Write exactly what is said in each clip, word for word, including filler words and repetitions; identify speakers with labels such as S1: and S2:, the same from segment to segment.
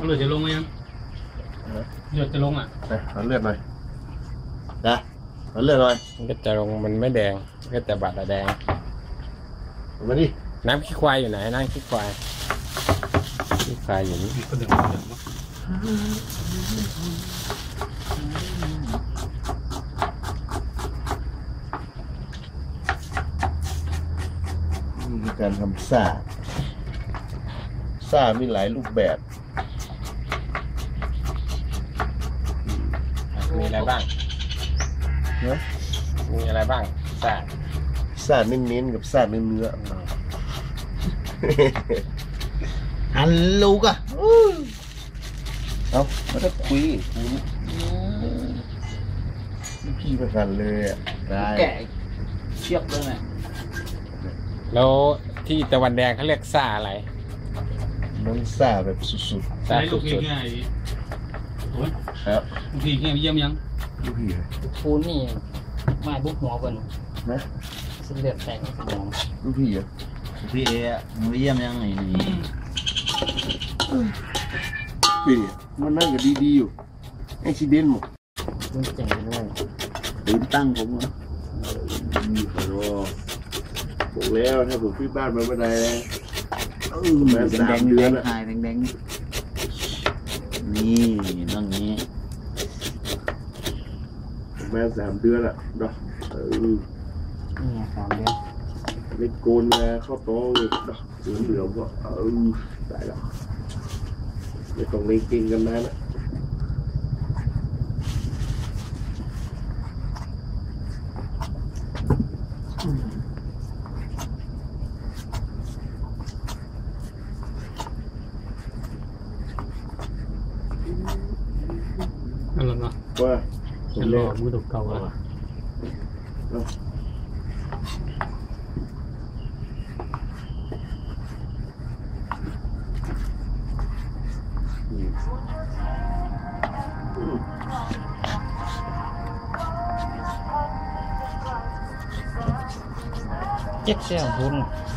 S1: เลือดจะลงไหมยังเลือดจะลงอ่ะ
S2: นะเอาเลือดหน่อยนะเอาเลือดหน่อย
S3: มันก็จะลงมันไม่แดงก็จะบาดแดง
S2: มาดิ
S3: น้ำขี้ควายอยู่ไหนน้ำขี้ควายขี้ควายอยู่นี่
S2: นี่คือการทำซ่าซ่ามีหลายรูปแบบ
S3: มีอะไรบ้าง
S2: เนาะ
S3: มีอะไรบ้างซ่า
S2: ซ่าเน้นๆกับซ่าเนื้อ
S1: ฮัลโหลกะ
S2: เอาไม่ได้คุยคุณพี่ประกันเลยอ่ะได้
S1: แกะเชือกเลยแม่
S3: แล้วที่ตะวันแดงเขาเรียกซ่าอะไร
S2: มันซ่าแบบสุดๆ
S3: ซ่าสุด
S1: ๆ
S2: ครับ
S1: พี่เงี้ยเยี่ยมยัง
S2: ลูกพี่
S4: ปูนนี่ไม้บุกหัวคน
S2: นะ
S4: เส้นเลือดแตกในสมอง
S2: ลูกพี่อ่ะ
S1: พี่เอ๋มือเยี่ยมยังไงนี่
S2: พี่มันนั่งก็ดีๆอยู่ไอ้ชิเดนหมด
S4: มันเจ๋งเลย
S2: ลืมตั้งผมเหรอนี่ขอรอบอกแล้วถ้าผมพี่บ้านมาเมื่อใดเออแดงแดงแดง
S1: หายแดงแดงนี่ต้องนี้
S2: แม่สามเดือนละดอกเออ
S4: นี่สามเดือน
S2: เล็กโกนมาเข้าโต๊ะเลยดอกเหลือเหลือก็เออได้แล้วไม่ต้องเล่นกินกันนะนะ
S1: อะไรนะ
S2: ว่า
S1: จะรอมือตกเก่าอ่ะ
S4: เจ็ดเสี่ยวบุญ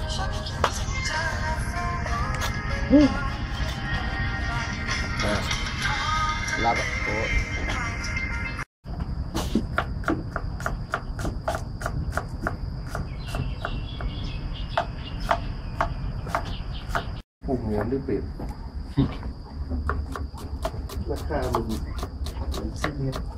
S3: รับโอ้
S2: พวกเงินหรือเปล่าราคามันมันสิบเมตร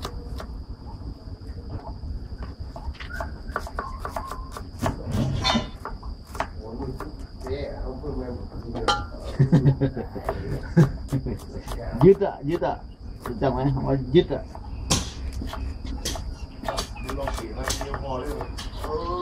S1: ยึดอ่ะยึดอ่ะจำไหมว่ายึดอ่ะ
S2: ลองเสียงแล้วเดียวพอเลย